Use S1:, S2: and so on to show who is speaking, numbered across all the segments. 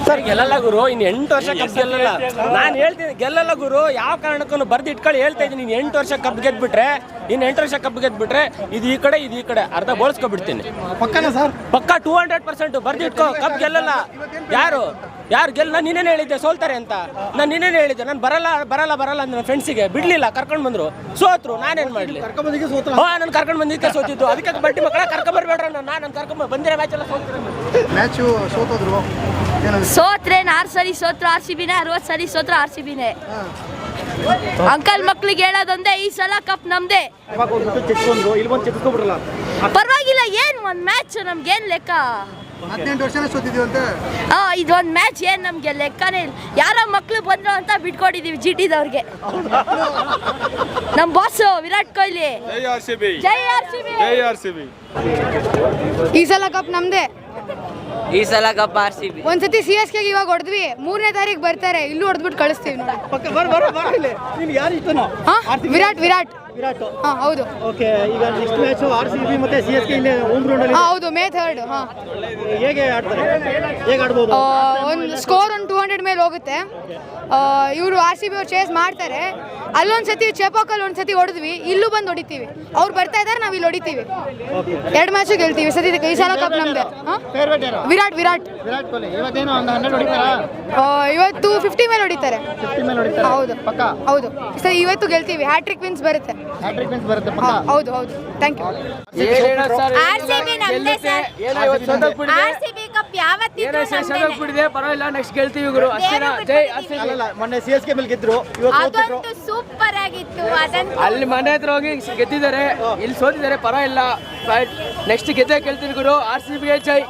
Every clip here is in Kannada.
S1: ಸರ್ ಗೆಲ್ಲಲ್ಲ ಗುರು, ಇನ್ನು 8 ವರ್ಷ ಕಪ್ ಗೆಲ್ಲಲ್ಲ. ನಾನು ಹೇಳ್ತೀನಿ ಗೆಲ್ಲಲ್ಲ ಗುರು, ಯಾವ ಕಾರಣಕ್ಕೂ ಬರ್ದು ಇಟ್ಕೊಳ್ಳಿ ಹೇಳ್ತಾ ಇದ್ದೀನಿ. ನೀನು 8 ವರ್ಷ ಕಪ್ ಗೆದ್ಬಿಟ್ರೆ, ಇನ್ನು 8 ವರ್ಷ ಕಪ್ ಗೆದ್ಬಿಟ್ರೆ ಇದು ಈ ಕಡೆ ಅರ್ಧ ಬೋಳ್ಸ್ಕೊಬಿಡ್ತೀನಿ.
S2: ಪಕ್ಕನಾ ಸರ್?
S1: ಪಕ್ಕ 200% ಬರ್ದು ಇಟ್ಕೋ. ಕಪ್ ಗೆಲ್ಲಲ್ಲ. ಯಾರು ಗೆಲ್ಲ? ನಾನು ನಿನ್ನೇನು ಹೇಳಿದ್ದೆ ಸೋಲ್ತಾರೆ ಅಂತ. ನಾನು ನಿನ್ನೇನು ಹೇಳಿದ್ದೆ ನಾನು ಬರಲ್ಲ ಅಂತ ನನ್ನ ಫ್ರೆಂಡ್ಸಿಗೆ ಬಿಡ್ಲಿಲ್ಲ, ಕರ್ಕೊಂಡು ಬಂದ್ರು, ಸೋತ್ರು. ನಾನೇನು ಮಾಡಲಿ? ನಾನು ಕರ್ಕೊಂಡು ಬಂದಿದ್ದಕ್ಕೆ ಸೋತಿದ್ದು. ಅದಕ್ಕೆ ಬಡ್ಡಿ ಮಕ್ಕಳ ಕರ್ಕೊಂಬರ್ಬೇಡ್ರ. ನಾನು ಕರ್ಕೊಂಡ್ ಬಂದಿರೋ ಮ್ಯಾಚ್ ಎಲ್ಲ
S2: ಮ್ಯಾಚು ಸೋತೋದ್ರು.
S3: ಸೋತ್ರೆ 6 ಸರಿ ಸೋತ್ರು RCBನೇ, 60 ಸರಿ ಸೋತ್ರು RCBನೇ. ಅಂಕಲ್ ಮಕ್ಳಿಗೆ ಹೇಳೋದೊಂದೇ, ಈ ಸಲ ಕಪ್ ನಮ್ದೇ. ಪರವಾಗಿಲ್ಲ, ಏನ್ ಒಂದ್ ಮ್ಯಾಚ್ ನಮ್ಗೇನ್ ಲೆಕ್ಕ?
S2: 18 ವರ್ಷನೇ ಸೋತಿದೀವಿ ಅಂತ.
S3: ಇದೊಂದ್ ಮ್ಯಾಚ್ ಏನ್ ನಮ್ಗೆ ಲೆಕ್ಕನೇ ಇಲ್ಲ. ಯಾರೋ ಮಕ್ಳು ಬಂದ್ರು ಅಂತ ಬಿಟ್ಕೊಟ್ಟಿದೀವಿ GTದವ್ರಿಗೆ. ನಮ್ ಬಾಸ್ ವಿರಾಟ್ ಕೊಹ್ಲಿ. ಜೈ RCB.
S4: ಈ ಸಲ ಕಪ್ ನಮ್ದೇ.
S1: ಈ ಸಲ ಕಪ್ RCB.
S4: ಒಂದ್ಸತಿ CSK ಇವಾಗ ಹೊಡೆದ್ವಿ, 3ನೇ ತಾರೀಕು ಬರ್ತಾರೆ, ಇಲ್ಲೂ ಹೊಡೆದ್ಬಿಟ್ಟು ಕಳಿಸ್ತೀವಿ ನೋಡಿ. ವಿರಾಟ್. ಹೌದು.
S2: ಓಕೆ, ಈಗ ನೆಕ್ಸ್ಟ್ ಮ್ಯಾಚ್ RCB ಮತ್ತೆ CSK ಇಲ್ಲೇ ಹೋಮ್ ಗ್ರೌಂಡ್ ಅಲ್ಲಿ.
S4: ಹೌದು, May 3rd.
S2: ಹೇಗೆ ಆಡ್ತಾರೆ? ಹೇಗೆ ಆಡ್ಬೋದು?
S4: ಒಂದು ಸ್ಕೋರ್ 200 ಮೇಲೆ ಹೋಗುತ್ತೆ. ಇವರು RCB ಅವ್ರು ಚೇಸ್ ಮಾಡ್ತಾರೆ. ಅಲ್ಲೊಂದ್ಸತಿ ಚೆಪಾಕಲ್ಲಿ ಒಂದ್ಸತಿ ಹೊಡೆದ್ವಿ, ಇಲ್ಲೂ ಬಂದು ಹೊಡಿತೀವಿ. ಅವ್ರು ಬರ್ತಾ ಇದಾರೆ, ನಾವು ಇಲ್ಲಿ ಹೊಡಿತೀವಿ. 2 ಮ್ಯಾಚು ಗೆಲ್ತೀವಿ. ಈ ಸಲ ಕಪ್ ನಮ್ದೆ. ವಿರಾಟ್
S2: ಕೊಹ್ಲಿ ಇವತ್ತೇನೋ ಒಂದು 100 ಹೊಡಿತಾರಾ?
S4: ಇವತ್ತು 50 ಮೇಲೆ ಹೊಡಿತಾರೆ.
S2: 50 ಮೇಲೆ ಹೊಡಿತಾರೆ.
S4: ಹೌದು
S2: ಪಕ್ಕ.
S4: ಹೌದು, ಸರಿ ಇವತ್ತು ಗೆಲ್ತೀವಿ. ಹ್ಯಾಟ್ರಿಕ್ ವಿನ್ಸ್ ಬರುತ್ತೆ. ಹೌದು. Thank you.
S5: RCB ನಮ್ದೇ ಸರ್. RCB ಕಪ್ ಯಾವತ್ತಿದ್ರು ನಮ್ದೇ.
S1: ಪರವಾಗಿಲ್ಲ, ನೆಕ್ಸ್ಟ್ ಗೆಲ್ತೀವಿ ಗುರು. ಜೈ RCB.
S2: ಅಲ್ಲ, ಮೊನ್ನೆ CSK ಮೇಲೆ ಗೆದ್ರು,
S5: ಅದೊಂದು ಸೂಪರ್ ಆಗಿತ್ತು. ಅದಂತೂ
S1: ಅಲ್ಲಿ ಮನೆ ಹತ್ರ ಹೋಗಿ ಗೆದ್ದಿದ್ದಾರೆ, ಇಲ್ಲಿ ಸೋತಿದ್ದಾರೆ. ಪರವಾಗಿಲ್ಲ, ನೆಕ್ಸ್ಟ್ ಗೆಲ್ತೀನಿ ಗುರು. RCB ಗೆ ಜೈ.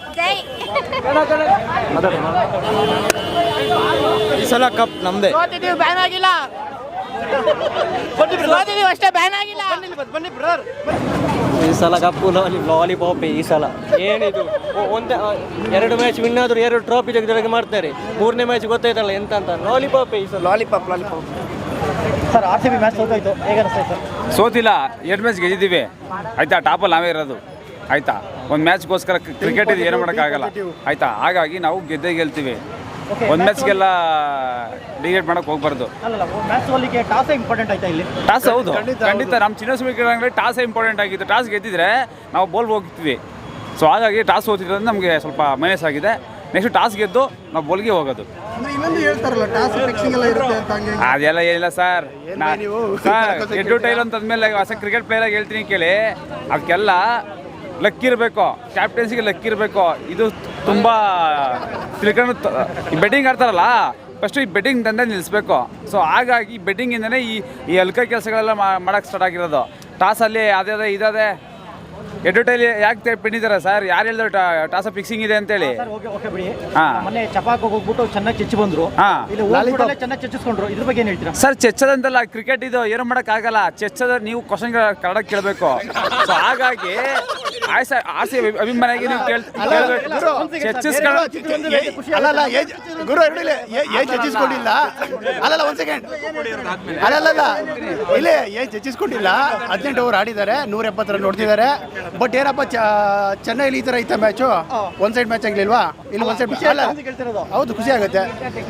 S2: ಈ ಸಲ ಕಪ್ ನಮ್ದೇ.
S1: ಸೋತಿದ್ದೀವಿ, ಬ್ಯಾನ್ ಆಗಿಲ್ಲ. ಸೋತಿದ್ದೀವಿ ಅಷ್ಟೇ, ಬ್ಯಾನ್ ಆಗಿಲ್ಲ.
S2: ಬನ್ನಿ ಬ್ರದರ್.
S6: ಈ ಸಲ ಕಪ್ಪು ಲಾಲಿಪಾಪ್. ಈ ಸಲ ಏನಿದು, 2 ಮ್ಯಾಚ್ ವಿನ್ ಆದ್ರು 2 ಟ್ರೋಫಿ ಜೊತೆಗೆ ಮಾಡ್ತಾರೆ. 3ನೇ ಮ್ಯಾಚ್ ಗೊತ್ತಾಯ್ತಲ್ಲ ಎಂತ ಅಂತ. ಲಾಲಿಪಾಪ್ ಈ ಸಲ.
S2: ಲಾಲಿಪಾಪ್. ಸರ್ RCB ಮ್ಯಾಚ್ ಸೋತಾಯ್ತು, ಹೇಗೆ ಅನಿಸ್ತಾ ಸರ್?
S7: ಸೋತಿಲ್ಲ, 2 ಮ್ಯಾಚ್ ಗೆದ್ದಿದ್ದೀವಿ ಆಯ್ತಾ. ಟಾಪಲ್ಲಿ ನಾವೇ ಇರೋದು ಆಯ್ತಾ. ಒಂದು ಮ್ಯಾಚ್ಗೋಸ್ಕರ ಕ್ರಿಕೆಟ್ ಇದು ಏನು ಮಾಡೋಕ್ಕಾಗಲ್ಲ ಆಯ್ತಾ. ಹಾಗಾಗಿ ನಾವು ಗೆಲ್ತೀವಿ. ಒಂದು ಮ್ಯಾಚ್ಗೆಲ್ಲ ಡಿಗೇಟ್ ಮಾಡೋಕೆ ಹೋಗ್ಬಾರ್ದು.
S2: ಮ್ಯಾಚ್ ಸೋಲಿಗೆ ಟಾಸ್ ಇಂಪಾರ್ಟೆಂಟ್ ಆಯ್ತಾ ಇಲ್ಲಿ?
S7: ಟಾಸ್ ಹೌದು, ಖಂಡಿತ. ನಮ್ಮ ಚಿನ್ನಸ್ವಾಮಿ ಕ್ರೀಡಾಂಗಣದಲ್ಲಿ ಟಾಸೇ ಇಂಪಾರ್ಟೆಂಟ್ ಆಗಿತ್ತು. ಟಾಸ್ ಗೆದ್ದಿದ್ರೆ ನಾವು ಬೋಲ್ ಹೋಗ್ತೀವಿ. ಸೊ ಹಾಗಾಗಿ ಟಾಸ್ ಸೋತಿರೋದು ನಮಗೆ ಸ್ವಲ್ಪ ಮೈನಸ್ ಆಗಿದೆ. ನೆಕ್ಸ್ಟ್ ಟಾಸ್ ಗೆದ್ದು ನಾವು ಬೋಲ್ಗೆ ಹೋಗೋದು. ಅದೆಲ್ಲ ಏನಿಲ್ಲ ಸರ್. ಎಡ್ಡು ಟೈಲ್ ಅಂತಂದ್ಮೇಲೆ ಹೊಸ ಕ್ರಿಕೆಟ್ ಪ್ಲೇಯರ್ ಆಗಿ ಹೇಳ್ತೀನಿ ಕೇಳಿ, ಅದಕ್ಕೆಲ್ಲ ಲಕ್ ಇರಬೇಕು, ಕ್ಯಾಪ್ಟನ್ಸಿಗೆ ಲಕ್ ಇರಬೇಕು. ಇದು ತುಂಬ ತಿಳ್ಕೊಂಡು ಬೆಟ್ಟಿಂಗ್ ಆಡ್ತಾರಲ್ಲ, ಫಸ್ಟು ಈ ಬೆಟ್ಟಿಂಗ್ ದಂಧೆ ನಿಲ್ಲಿಸ್ಬೇಕು. ಸೊ ಹಾಗಾಗಿ ಬೆಟ್ಟಿಂಗಿಂದನೇ ಈ ಅಲ್ಕ ಕೆಲಸಗಳೆಲ್ಲ ಮಾಡೋಕ್ಕೆ ಸ್ಟಾರ್ಟ್ ಆಗಿರೋದು. ಟಾಸಲ್ಲಿ ಅದೇ ಇದೇ ಎಡ್ವರ್ಟೈಲಿ ಯಾಕೆ ಪಿಂಡಿದ್ದಾರೆ ಸರ್? ಯಾರು ಹೇಳಿದ್ರು ಟಾಸ್ ಫಿಕ್ಸಿಂಗ್ ಇದೆ ಅಂತೇಳಿ?
S2: ಮೊನ್ನೆ ಚಪಾಕ್ ಹೋಗ್ಬಿಟ್ಟು ಚೆನ್ನಾಗಿ ಚೆಚ್ಚಿ ಬಂದ್ರು, ಚೆನ್ನಾಗಿ ಚೆಚ್ಚಿಸ್ಕೊಂಡ್ರು. ಇದ್ರ ಬಗ್ಗೆ ಏನು ಹೇಳ್ತೀರಾ
S7: ಸರ್? ಚೆಚ್ಚದಂತಲ್ಲ, ಕ್ರಿಕೆಟ್ ಇದು ಏನು ಮಾಡೋಕ್ಕಾಗಲ್ಲ. ಚೆಚ್ಚದ ನೀವು ಕ್ವಶನ್ ಕನ್ನಡ ಕೇಳಬೇಕು. ಸೊ ಹಾಗಾಗಿ RCB ಅಭಿಮಾನಿಯಾಗಿ ನೀವು
S8: ಚೆಚ್ಚಿಸ್ಕೊಂಡಿಲ್ಲ. 18 ಓವರ್ ಆಡಿದ್ದಾರೆ, 170 ರನ್ ನೋಡ್ತಿದ್ದಾರೆ. ಬಟ್ ಏನಪ್ಪ, ಚೆನ್ನೈಲಿ ಈ ತರ ಐತ ಮ್ಯಾಚು, ಒನ್ ಸೈಡ್ ಮ್ಯಾಚ್ ಆಗ್ಲಿಲ್ವಾ? ಇಲ್ಲಿ ಒನ್ ಸೈಡ್. ಹೌದು, ಖುಷಿ ಆಗುತ್ತೆ.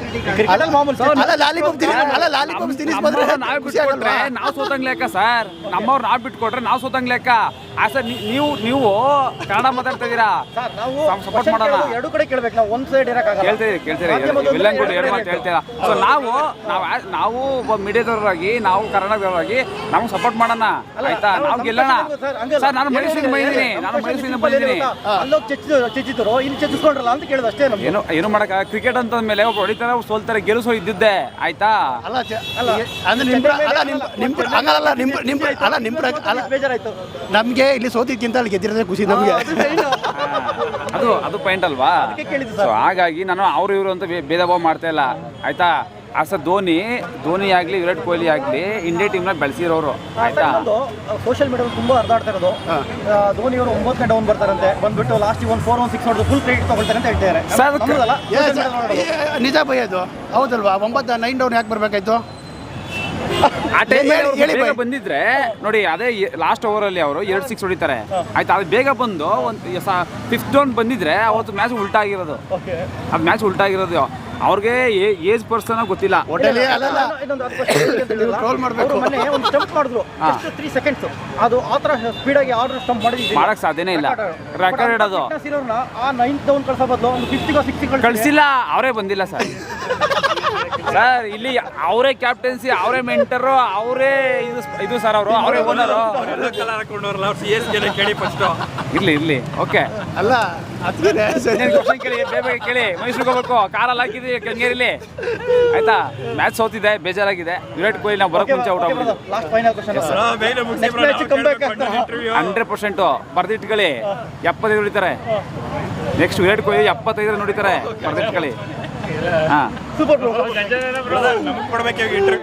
S7: ನಾವು ಸೋತಂಗ್ ಲೆಕ್ಕ ಸರ್. ನಮ್ಮವ್ರು ನಾವು ಬಿಟ್ಕೊಟ್ರೆ ನಾವು ಸೋತಂಗ್ ಲೆಕ್ಕ. ಸರ್ ನೀವು ಕನ್ನಡ ಮಾತಾಡ್ತಾ ಇದೀರಾ, ಸಪೋರ್ಟ್ ಮಾಡೋಣ.
S2: ಎರಡು ಕಡೆ ಕೇಳ್ಬೇಕು ನಾವು, ಒಂದ್ ಸೈಡ್
S7: ಕೇಳ್ತೀರಿ ವಿಲನ್ ಕೂಡ ಎರಡು ಮಾತು ಹೇಳ್ತೀರಾ. ಸೊ ನಾವು ಒಬ್ಬ ಮೀಡಿಯಾದವರಾಗಿ, ನಾವು ಕನ್ನಡದವರಾಗಿ ನಾವು ಸಪೋರ್ಟ್ ಮಾಡೋಣ ಆಯ್ತಾ. ನಾವು ಗೆಲ್ಲೋಣ ಸರ್. ನಾನು ಮೈಸೂರಿಂದ ಬಂದಿದ್ದೀನಿ.
S2: ಚೆಚ್ಚಿದ್ರು, ಇಲ್ಲಿ ಚೆಚ್ಚಿಸ್ಕೊಂಡ್ರಲ್ಲ ಅಂತ ಕೇಳಿದ ಅಷ್ಟೇ.
S7: ಏನು ಮಾಡಕ, ಕ್ರಿಕೆಟ್ ಅಂತಂದ್ಮೇಲೆ ಒಬ್ಬ ಹೊಡಿತಾರೆ, ಸೋಲ್ತಾರೆ, ಗೆಲ್ಲಿಸೋ ಇದ್ದಿದ್ದೆ ಆಯ್ತಾ.
S2: ಬೇಜಾರಾಯ್ತು
S8: ನಮ್ಗೆ ಇಲ್ಲಿ ಸೋತಿದ್ಕಿಂತ ಅಲ್ಲಿ ಗೆದ್ದಿರೋದೇ ಖುಷಿ ನಮ್ಗೆ.
S7: ಅದು ಪಾಯಿಂಟ್ ಅಲ್ವಾ? ಸೊ ಹಾಗಾಗಿ ನಾನು ಅವರು ಇವರು ಅಂತ ಭೇದ ಭಾವ ಮಾಡ್ತಾ ಇಲ್ಲ ಆಯ್ತಾ. ಸರ್ ಧೋನಿ ಆಗಲಿ, ವಿರಾಟ್ ಕೊಹ್ಲಿ ಆಗಲಿ ಇಂಡಿಯಾ ಟೀಮ್ನ ಬೆಳೆಸಿರೋರು ಆಯ್ತಾ.
S2: ಸೋಷಿಯಲ್ ಮೀಡಿಯಾದಲ್ಲಿ ತುಂಬಾ ಹರಿದಾಡ್ತಾ ಇರೋದು, ಧೋನಿ ಅವರು 9 ಗಂಟೆ ಡೌನ್ ಬರ್ತಾರಂತೆ, ಬಂದ್ಬಿಟ್ಟು ಲಾಸ್ಟ್ 4-1-6 ಹೊಡೆದು ಫುಲ್ ಕ್ರೆಡಿಟ್ ತಗೊಳ್ತಾರೆ ಅಂತ ಹೇಳ್ತಾರೆ.
S8: ನಿಜ ಭಯ ಅದು, ಹೌದಲ್ವಾ? 9-9 ಡೌನ್ ಯಾಕೆ ಬರ್ಬೇಕಾಯ್ತು?
S7: ಆ ಟೈಮ್
S8: ಹೇಳಿ
S7: ಬೇಗ
S8: ಬೈ.
S7: ಬಂದಿದ್ರೆ ನೋಡಿ, ಅದೇ ಲಾಸ್ಟ್ ಓವರಲ್ಲಿ ಅವರು 2 6 ಹೊಡಿತಾರೆ ಆಯ್ತಾ. ಅದು ಬೇಗ ಬಂದು ಒಂದು 5th ಡೌನ್ ಬಂದಿದ್ರೆ ಅವತ್ತು ಮ್ಯಾಚ್ ಉಲ್ಟಾ ಆಗಿರೋದು. ಅದು ಮ್ಯಾಚ್ ಉಲ್ಟಾ ಆಗಿರೋದು. ಅವ್ರಿಗೆ ಏಜ್ ಪರ್ಸನ್ ಗೊತ್ತಿಲ್ಲ.
S8: ಹೋಟೆಲಿ ಅಲ್ಲಲ್ಲ
S2: ಇನ್ನೊಂದು 10 question
S8: ಟ್ರೋಲ್ ಮಾಡಬೇಕು.
S2: ಮೊನ್ನೆ ಒಂದು ಸ್ಟಂಪ್ ಮಾಡಿದ್ರು, just 3 seconds. ಅದು ಆ ಥರ ಸ್ಪೀಡಾಗಿ ಆರ್ಡರ್ ಸ್ಟಂಪ್ ಮಾಡಿದ್ದೀವಿ,
S7: ಮಾಡಕ್ ಸಾಧ್ಯನೇ ಇಲ್ಲ. ರೆಕಾರ್ಡ್ ಇಡೋದು
S2: ಆ 9th ಡೌನ್ ಕಳ್ಸೋ ಬದಲು ಒಂದು 5th 6
S7: ಕಳಿಸಿಲ್ಲ. ಅವರೇ ಬಂದಿಲ್ಲ ಸರ್. ಸರ್ ಇಲ್ಲಿ ಅವರೇ ಕ್ಯಾಪ್ಟನ್ಸಿ, ಅವರೇ ಮೆಂಟರು, ಅವರೇ ಇದು ಸರ್, ಅವರು ಅವರೇ ಓನರು. ಇರ್ಲಿ ಓಕೆ.
S8: ಅಲ್ಲ ಅದಕ್ಕೆ
S7: ಕ್ವಶನ್ ಕೇಳಿ, ಬೇಗ ಕೇಳಿ. ಮೈಸೂರಿಗೆ ಹೋಗ್ಬೇಕು, ಕಾರಲ್ಲಿ ಹಾಕಿದ್ವಿ ಕೆಂಗೇರಿಲಿ ಆಯ್ತಾ. ಮ್ಯಾಚ್ ಸೋತಿದೆ, ಬೇಜಾರಾಗಿದೆ. ವಿರಾಟ್ ಕೊಹ್ಲಿ ನಾವು ಬರೋಕ್ ಮುಂಚೆ ಔಟ್ ಆಗ್ಬಿಟ್ಟು
S2: last final question. Next match comeback ಆಗ್ತಾರಾ?
S7: 100% ಬರ್ದಿಟ್ಕೊಳ್ಳಿ. 75 ಹೊಡಿತಾರೆ ನೆಕ್ಸ್ಟ್. ವಿರಾಟ್ ಕೊಹ್ಲಿ 75 ನೋಡಿತಾರೆ, ಬರ್ದಿಟ್ಕೊಳ್ಳಿ. ಹಾಂ
S2: ಸೂಪರ್ ಬ್ರೋ.